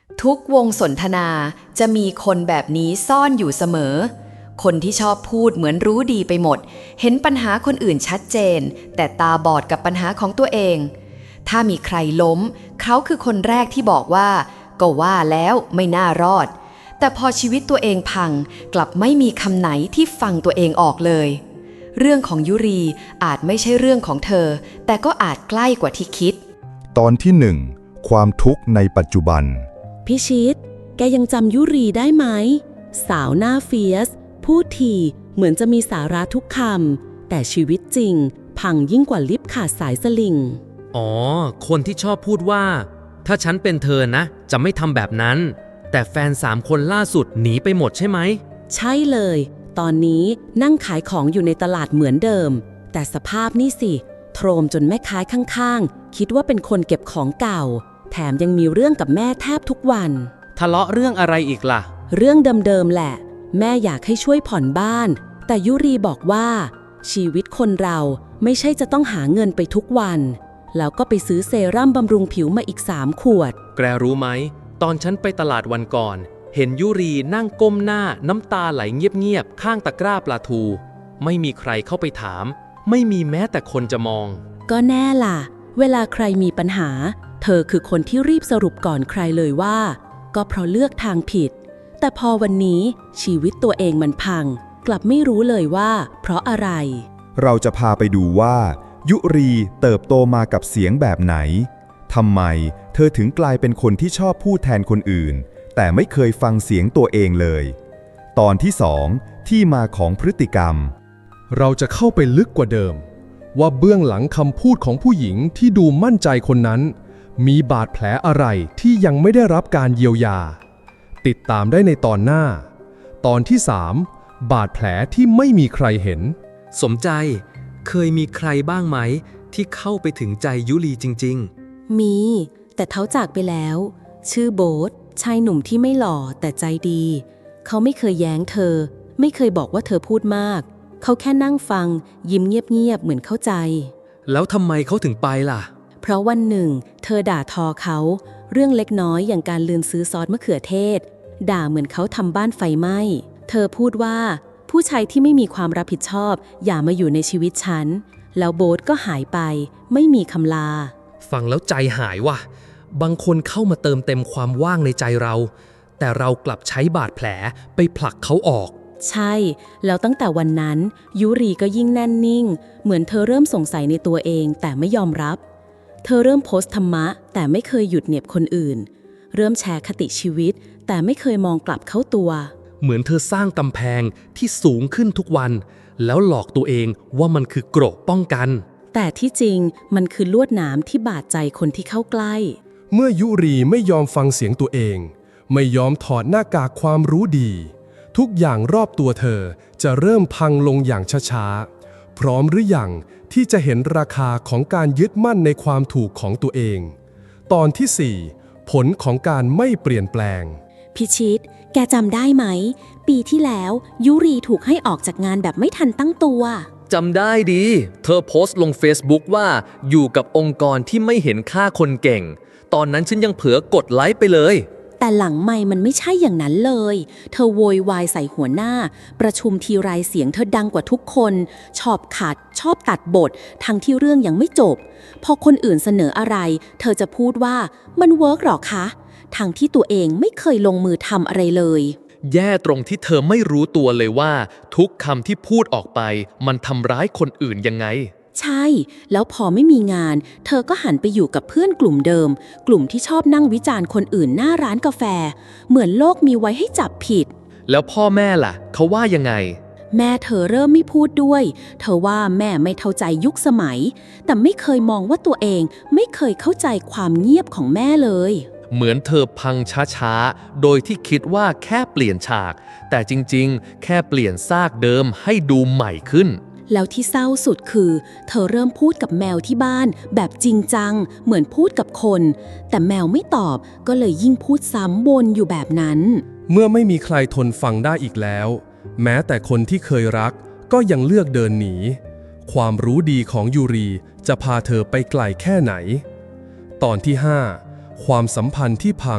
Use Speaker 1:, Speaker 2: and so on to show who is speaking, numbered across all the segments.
Speaker 1: ทุกวงสนทนาจะมีคนแบบนี้ซ่อนอยู่เสมอคนที่ชอบพูดเหมือนรู้ดีไปหมดเห็นปัญหาคนอื่นชัดเจนแต่ตาบอดกับปัญหาของตัวเองถ้ามีใครล้มเขาคือคนแรกที่บอกว่าก็ว่าแล้วไม่น่ารอดแต่พอชีวิตตัวเองพังกลับไม่มีคำไหนที่ฟังตัวเองออกเลยเรื่องของยุรีอาจไม่ใช่เรื่องของเธอแต่ก็อาจใกล้กว่าที่คิด
Speaker 2: ตอนที่ 1 ความทุกข์ในปัจจุบัน
Speaker 3: พิชิตแกยังจำยุรีได้ไหมสาวหน้าเฟียสพูดทีเหมือนจะมีสาระทุกคำแต่ชีวิตจริงพังยิ่งกว่าลิฟต์ขาดสายสลิง
Speaker 4: อ๋อคนที่ชอบพูดว่าถ้าฉันเป็นเธอนะจะไม่ทำแบบนั้นแต่แฟน3 คนล่าสุดหนีไปหมดใช่ไหม
Speaker 3: ใช่เลยตอนนี้นั่งขายของอยู่ในตลาดเหมือนเดิมแต่สภาพนี่สิโทรมจนแม่ค้าข้างๆคิดว่าเป็นคนเก็บของเก่าแถมยังมีเรื่องกับแม่แทบทุกวัน
Speaker 4: ทะเลาะเรื่องอะไรอีกล่ะ
Speaker 3: เรื่องเดิมๆแหละแม่อยากให้ช่วยผ่อนบ้านแต่ยุรีบอกว่าชีวิตคนเราไม่ใช่จะต้องหาเงินไปทุกวันแล้วก็ไปซื้อเซรั่มบำรุงผิวมาอีก3 ขวด
Speaker 4: แกรู้ไหมตอนฉันไปตลาดวันก่อนเห็นยุรีนั่งก้มหน้าน้ำตาไหลเงียบๆข้างตะกร้าปลาทูไม่มีใครเข้าไปถามไม่มีแม้แต่คนจะมอง
Speaker 3: ก็แน่ล่ะเวลาใครมีปัญหาเธอคือคนที่รีบสรุปก่อนใครเลยว่าก็เพราะเลือกทางผิดแต่พอวันนี้ชีวิตตัวเองมันพังกลับไม่รู้เลยว่าเพราะอะไร
Speaker 2: เราจะพาไปดูว่ายุรีเติบโตมากับเสียงแบบไหนทำไมเธอถึงกลายเป็นคนที่ชอบพูดแทนคนอื่นแต่ไม่เคยฟังเสียงตัวเองเลยตอนที่ 2ที่มาของพฤติกรรม
Speaker 5: เราจะเข้าไปลึกกว่าเดิมว่าเบื้องหลังคำพูดของผู้หญิงที่ดูมั่นใจคนนั้นมีบาดแผลอะไรที่ยังไม่ได้รับการเยียวยาติดตามได้ในตอนหน้าตอนที่ 3บาดแผลที่ไม่มีใครเห็น
Speaker 4: สมใจเคยมีใครบ้างไหมที่เข้าไปถึงใจยุรีจริง
Speaker 3: ๆมีแต่เขาจากไปแล้วชื่อโบ๊ทชายหนุ่มที่ไม่หล่อแต่ใจดีเขาไม่เคยแย้งเธอไม่เคยบอกว่าเธอพูดมากเขาแค่นั่งฟังยิ้มเงียบๆเหมือนเข้าใจ
Speaker 4: แล้วทำไมเขาถึงไปล่ะ
Speaker 3: เพราะวันหนึ่งเธอด่าทอเขาเรื่องเล็กน้อยอย่างการลืมซื้อซอสมะเขือเทศด่าเหมือนเขาทำบ้านไฟไหม้เธอพูดว่าผู้ชายที่ไม่มีความรับผิดชอบอย่ามาอยู่ในชีวิตฉันแล้วโบ๊ทก็หายไปไม่มีคำลา
Speaker 4: ฟังแล้วใจหายว่ะบางคนเข้ามาเติมเต็มความว่างในใจเราแต่เรากลับใช้บาดแผลไปผลักเขาออก
Speaker 3: ใช่แล้วตั้งแต่วันนั้นยุรีก็ยิ่งแน่นนิ่งเหมือนเธอเริ่มสงสัยในตัวเองแต่ไม่ยอมรับเธอเริ่มโพสต์ธรรมะแต่ไม่เคยหยุดเหน็บคนอื่นเริ่มแชร์คติชีวิตแต่ไม่เคยมองกลับเข้าตัว
Speaker 4: เหมือนเธอสร้างกำแพงที่สูงขึ้นทุกวันแล้วหลอกตัวเองว่ามันคือเกราะป้องกัน
Speaker 3: แต่ที่จริงมันคือลวดหนามที่บาดใจคนที่เข้าใกล้
Speaker 5: เมื่อยุรีไม่ยอมฟังเสียงตัวเองไม่ยอมถอดหน้ากากความรู้ดีทุกอย่างรอบตัวเธอจะเริ่มพังลงอย่างช้าๆพร้อมหรือยังที่จะเห็นราคาของการยึดมั่นในความถูกของตัวเองตอนที่ 4ผลของการไม่เปลี่ยนแปลง
Speaker 3: พิชิตแกจำได้ไหมปีที่แล้วยุรีถูกให้ออกจากงานแบบไม่ทันตั้งตัว
Speaker 4: จำได้ดีเธอโพสต์ลง Facebook ว่าอยู่กับองค์กรที่ไม่เห็นค่าคนเก่งตอนนั้นฉันยังเผลอกดไลค์ไปเลย
Speaker 3: แต่หลังไมค์มันไม่ใช่อย่างนั้นเลยเธอโวยวายใส่หัวหน้าประชุมทีไรเสียงเธอดังกว่าทุกคนชอบขัดชอบตัดบททั้งที่เรื่องยังไม่จบพอคนอื่นเสนออะไรเธอจะพูดว่ามันเวิร์กหรอคะทั้งที่ตัวเองไม่เคยลงมือทำอะไรเลย
Speaker 4: แย่ตรงที่เธอไม่รู้ตัวเลยว่าทุกคำที่พูดออกไปมันทำร้ายคนอื่นยังไง
Speaker 3: ใช่แล้วพอไม่มีงานเธอก็หันไปอยู่กับเพื่อนกลุ่มเดิมกลุ่มที่ชอบนั่งวิจารณ์คนอื่นหน้าร้านกาแฟเหมือนโลกมีไว้ให้จับผิด
Speaker 4: แล้วพ่อแม่ล่ะเขาว่ายังไง
Speaker 3: แม่เธอเริ่มไม่พูดด้วยเธอว่าแม่ไม่เข้าใจยุคสมัยแต่ไม่เคยมองว่าตัวเองไม่เคยเข้าใจความเงียบของแม่เลย
Speaker 4: เหมือนเธอพังช้าๆโดยที่คิดว่าแค่เปลี่ยนฉากแต่จริงๆแค่เปลี่ยนซากเดิมให้ดูใหม่ขึ้น
Speaker 3: แล้วที่เศร้าสุดคือเธอเริ่มพูดกับแมวที่บ้านแบบจริงจังเหมือนพูดกับคนแต่แมวไม่ตอบก็เลยยิ่งพูดซ้ำวนอยู่แบบนั้น
Speaker 5: เมื่อไม่มีใครทนฟังได้อีกแล้วแม้แต่คนที่เคยรักก็ยังเลือกเดินหนีความรู้ดีของยูรีจะพาเธอไปไกลแค่ไหนตอนที่ 5ความสัมพันธ์ที่พัง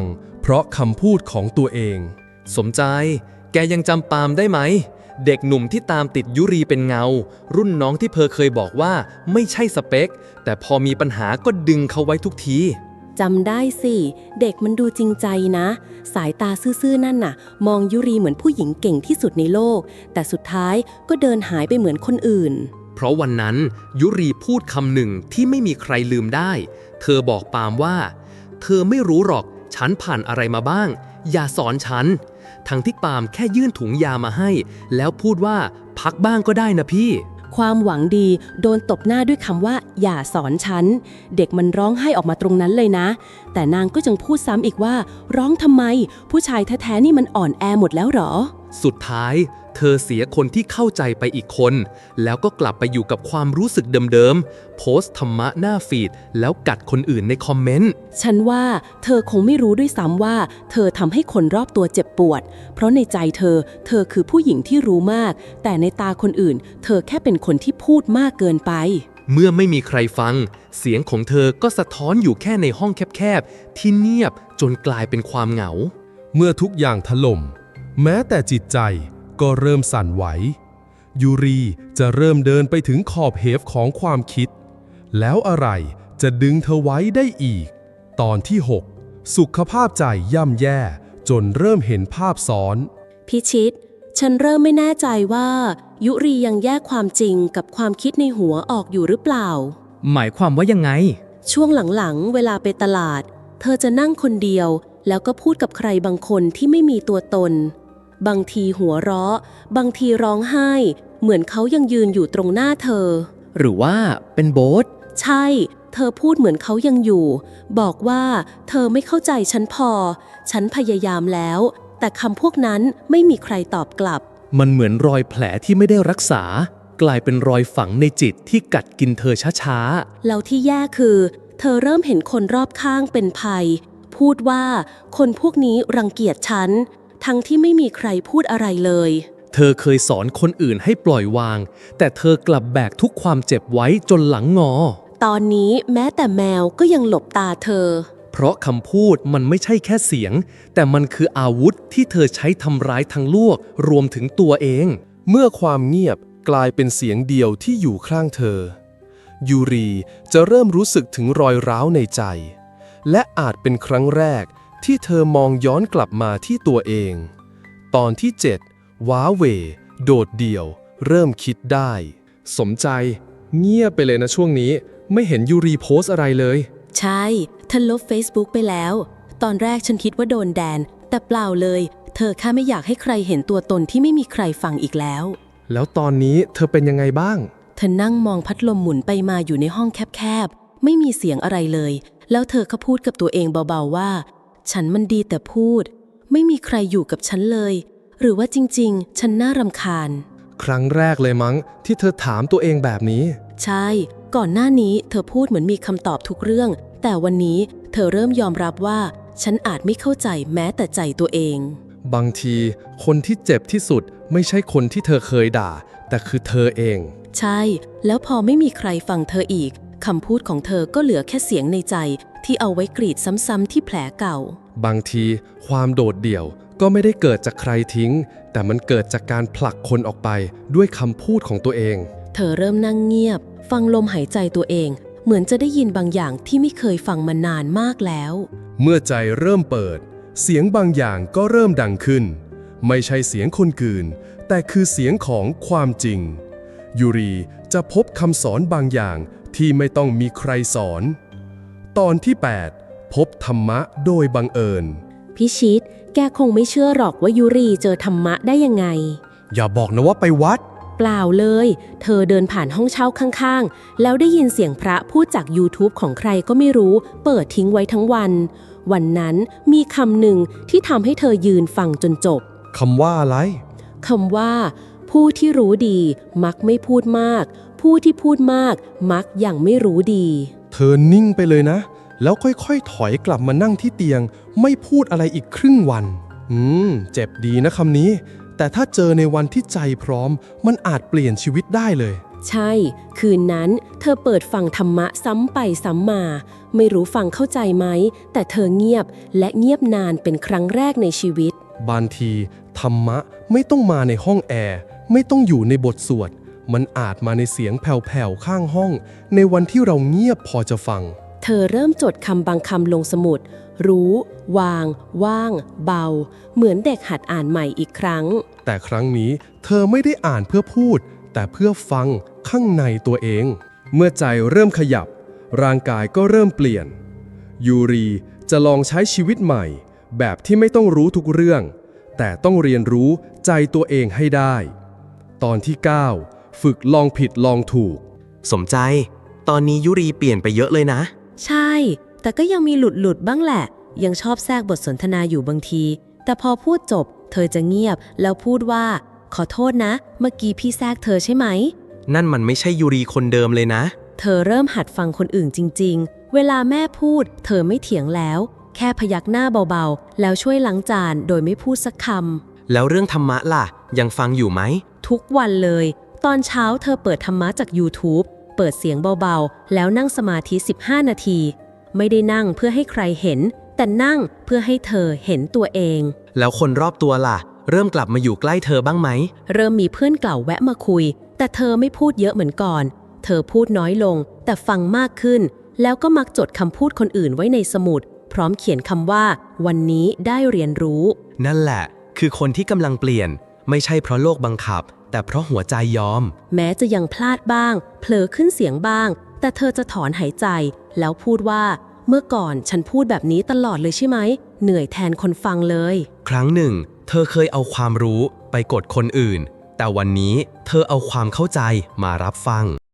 Speaker 5: เพราะคำพูดของตัวเอง
Speaker 4: สมใจ แกยังจำปาล์มได้ไหม เด็กหนุ่มที่ตามติดยุรีเป็นเงา รุ่นน้องที่เคยบอกว่าไม่ใช่สเปค แต่พอมีปัญหาก็ดึงเขาไว้ทุกที
Speaker 3: จำได้สิ เด็กมันดูจริงใจนะ สายตาซื่อๆนั่นน่ะ มองยุรีเหมือนผู้หญิงเก่งที่สุดในโลก แต่สุดท้ายก็เดินหายไปเหมือนคนอื่น
Speaker 4: เพราะวันนั้นยุรีพูดคำหนึ่งที่ไม่มีใครลืมได้ เธอบอกปาล์มว่า เธอไม่รู้หรอกฉันผ่านอะไรมาบ้าง อย่าสอนฉัน ทั้งที่ปาล์มแค่ยื่นถุงยามาให้ แล้วพูดว่าพักบ้างก็ได้นะพี่
Speaker 3: ความหวังดีโดนตบหน้าด้วยคำว่าอย่าสอนฉัน เด็กมันร้องไห้ออกมาตรงนั้นเลยนะ แต่นางก็ยังพูดซ้ำอีกว่าร้องทำไม ผู้ชายแท้ๆนี่มันอ่อนแอหมดแล้วหรอ
Speaker 4: สุดท้ายเธอเสียคนที่เข้าใจไปอีกคน แล้วก็กลับไปอยู่กับความรู้สึกเดิมๆ โพสต์ธรรมะหน้าฟีดแล้วกัดคนอื่นในคอมเมนต์
Speaker 3: ฉันว่าเธอคงไม่รู้ด้วยซ้ำว่าเธอทำให้คนรอบตัวเจ็บปวด เพราะในใจเธอคือผู้หญิงที่รู้มาก แต่ในตาคนอื่น เธอแค่เป็นคนที่พูดมากเกินไป
Speaker 4: เมื่อไม่มีใครฟัง เสียงของเธอก็สะท้อนอยู่แค่ในห้องแคบๆ ที่เงียบจนกลายเป็นความเหงา
Speaker 5: เมื่อทุกอย่างถล่มแม้แต่จิตใจก็เริ่มสั่นไหวยูรีจะเริ่มเดินไปถึงขอบเหวของความคิดแล้วอะไรจะดึงเธอไว้ได้อีกตอนที่ 6 สุขภาพใจย่ำแย่จนเริ่มเห็นภาพซ้อน
Speaker 3: พิชิต ฉันเริ่มไม่แน่ใจว่ายุรียังแยกความจริงกับความคิดในหัวออกอยู่หรือเปล่า
Speaker 4: หมายความว่ายังไง
Speaker 3: ช่วงหลังๆเวลาไปตลาด เธอจะนั่งคนเดียวแล้วก็พูดกับใครบางคนที่ไม่มีตัวตนบางทีหัวเราะบางทีร้องไห้เหมือนเขายังยืนอยู่ตรงหน้าเธอ
Speaker 4: หรือว่าเป็นโบ๊ท
Speaker 3: ใช่เธอพูดเหมือนเขายังอยู่บอกว่าเธอไม่เข้าใจฉันพอฉันพยายามแล้วแต่คำพวกนั้นไม่มีใครตอบกลับ
Speaker 4: มันเหมือนรอยแผลที่ไม่ได้รักษากลายเป็นรอยฝังในจิตที่กัดกินเธอช้าๆ
Speaker 3: แล้วที่แย่คือเธอเริ่มเห็นคนรอบข้างเป็นภัยพูดว่าคนพวกนี้รังเกียจฉันทั้งที่ไม่มีใครพูดอะไรเลย
Speaker 4: เธอเคยสอนคนอื่นให้ปล่อยวางแต่เธอกลับแบกทุกความเจ็บไว้จนหลังงอ
Speaker 3: ตอนนี้แม้แต่แมวก็ยังหลบตาเธอ
Speaker 4: เพราะคำพูดมันไม่ใช่แค่เสียงแต่มันคืออาวุธที่เธอใช้ทำร้ายทั้งโลกรวมถึงตัวเอง
Speaker 5: เมื่อความเงียบกลายเป็นเสียงเดียวที่อยู่ข้างเธอยูรีจะเริ่มรู้สึกถึงรอยร้าวในใจและอาจเป็นครั้งแรกที่เธอมองย้อนกลับมาที่ตัวเองตอนที่ 7 ว้าเหวโดดเดี่ยวเริ่มคิดได้สมใจเงียบไปเลยนะช่วงนี้ไม่เห็นยูรีโพสอะไรเลย
Speaker 3: ใช่ฉันลบ Facebook ไปแล้วตอนแรกฉันคิดว่าโดนแดนแต่เปล่าเลยเธอแค่ไม่อยากให้ใครเห็นตัวตนที่ไม่มีใครฟังอีก
Speaker 5: แล้วตอนนี้เธอเป็นยังไงบ้าง
Speaker 3: เธอนั่งมองพัดลมหมุนไปมาอยู่ในห้องแคบๆไม่มีเสียงอะไรเลยแล้วเธอก็พูดกับตัวเองเบาๆว่าฉันมันดีแต่พูดไม่มีใครอยู่กับฉันเลยหรือว่าจริงๆฉันน่ารำคาญ
Speaker 5: ครั้งแรกเลยมั้งที่เธอถามตัวเองแบบนี้
Speaker 3: ใช่ก่อนหน้านี้เธอพูดเหมือนมีคำตอบทุกเรื่องแต่วันนี้เธอเริ่มยอมรับว่าฉันอาจไม่เข้าใจแม้แต่ใจตัวเอง
Speaker 5: บางทีคนที่เจ็บที่สุดไม่ใช่คนที่เธอเคยด่าแต่คือเธอเอง
Speaker 3: ใช่แล้วพอไม่มีใครฟังเธออีกคำพูดของเธอก็เหลือแค่เสียงในใจที่เอาไว้กรีดซ้ำๆที่แผลเก่า
Speaker 5: บางทีความโดดเดี่ยวก็ไม่ได้เกิดจากใครทิ้งแต่มันเกิดจากการผลักคนออกไปด้วยคำพูดของตัวเอง
Speaker 3: เธอเริ่มนั่งเงียบฟังลมหายใจตัวเองเหมือนจะได้ยินบางอย่างที่ไม่เคยฟังมานานมากแล้ว
Speaker 5: เมื่อใจเริ่มเปิดเสียงบางอย่างก็เริ่มดังขึ้นไม่ใช่เสียงคนอื่นแต่คือเสียงของความจริงยูรีจะพบคำสอนบางอย่างที่ไม่ต้องมีใครสอนตอนที่ 8 พบธรรมะโดยบังเอิญ
Speaker 3: พิชิตแกคงไม่เชื่อหรอกว่ายูรีเจอธรรมะได้ยังไง
Speaker 5: อย่าบอกนะว่าไปวัด
Speaker 3: เปล่าเลยเธอเดินผ่านห้องเช่าข้างๆแล้วได้ยินเสียงพระพูดจาก YouTube ของใครก็ไม่รู้เปิดทิ้งไว้ทั้งวันวันนั้นมีคำหนึ่งที่ทำให้เธอยืนฟังจนจบ
Speaker 5: คำว่าอะไร
Speaker 3: คำว่าผู้ที่รู้ดีมักไม่พูดมากผู้ที่พูดมากมักยังไม่รู้ดี
Speaker 5: เธอนิ่งไปเลยนะแล้วค่อยๆถอยกลับมานั่งที่เตียงไม่พูดอะไรอีกครึ่งวันเจ็บดีนะคำนี้แต่ถ้าเจอในวันที่ใจพร้อมมันอาจเปลี่ยนชีวิตได้เลย
Speaker 3: ใช่คืนนั้นเธธอเปิดฟังธรรมะซ้ำไปซ้ำมา ไม่รู้ฟังเข้าใจไหม แต่เธอเงียบและเงียบนานเป็นครั้งแรกในชีวิต
Speaker 5: บางทีธรรมะไม่ต้องมาในห้องแอร์ไม่ต้องอยู่ในบทสวดมันอาจมาในเสียงแผ่วๆข้างห้องในวันที่เราเงียบพอจะฟัง
Speaker 3: เธอเริ่มจดคำบางคำลงสมุด รู้ วาง ว่าง เบา เหมือนเด็กหัดอ่านใหม่อีกครั้ง
Speaker 5: แต่ครั้งนี้เธอไม่ได้อ่านเพื่อพูด แต่เพื่อฟังข้างในตัวเอง เมื่อใจเริ่มขยับร่างกายก็เริ่มเปลี่ยน ยูรีจะลองใช้ชีวิตใหม่ แบบที่ไม่ต้องรู้ทุกเรื่อง แต่ต้องเรียนรู้ใจตัวเองให้ได้ ตอนที่ 9 ฝึกลองผิดลองถูก
Speaker 6: สมใจ ตอนนี้ยุรีเปลี่ยนไปเยอะเลยนะ
Speaker 3: ใช่ แต่ก็ยังมีหลุดบ้างแหละ ยังชอบแทรกบทสนทนาอยู่บางที แต่พอพูดจบ เธอจะเงียบแล้วพูดว่า ขอโทษนะ เมื่อกี้พี่แทรกเธอใช่ไหม
Speaker 6: นั่นมันไม่ใช่ยุรีคนเดิมเลยนะ
Speaker 3: เธอเริ่มหัดฟังคนอื่นจริงๆ เวลาแม่พูด เธอไม่เถียงแล้ว แค่พยักหน้าเบาๆ แล้วช่วยล้างจานโดยไม่พูดสักคำ
Speaker 6: แล้วเรื่องธรรมะล่ะ ยังฟังอยู่ไหม
Speaker 3: ทุกวันเลย ตอนเช้าเธอเปิดธรรมะจาก YouTube เปิดเสียงเบาๆ แล้วนั่งสมาธิ15 นาที ไม่ได้นั่งเพื่อให้ใครเห็น แต่นั่งเพื่อให้เธอเห็นตัวเอง
Speaker 6: แล้วคนรอบตัวล่ะ เริ่มกลับมาอยู่ใกล้เธอบ้างไหม
Speaker 3: เริ่มมีเพื่อนเก่าแวะมาคุย แต่เธอไม่พูดเยอะเหมือนก่อน เธอพูดน้อยลง แต่ฟังมากขึ้น แล้วก็มักจดคำพูดคนอื่นไว้ในสมุด พร้อมเขียนคำว่า วันนี้ได้เรียนรู้
Speaker 6: นั่นแหละ คือคนที่กำลังเปลี่ยน ไม่ใช่เพราะโลกบังคับ แต่เพราะหัวใจยอม
Speaker 3: แม้จะยังพลาดบ้าง เผลอขึ้นเสียงบ้าง แต่เธอจะถอนหายใจ แล้วพูดว่า เมื่อก่อนฉันพูดแบบนี้ตลอดเลยใช่ไหม เหนื่อยแทนคนฟังเลย
Speaker 6: ครั้งหนึ่ง เธอเคยเอาความรู้ไปกดคนอื่น แต่วันนี้เธอเอาความเข้าใจมารับฟัง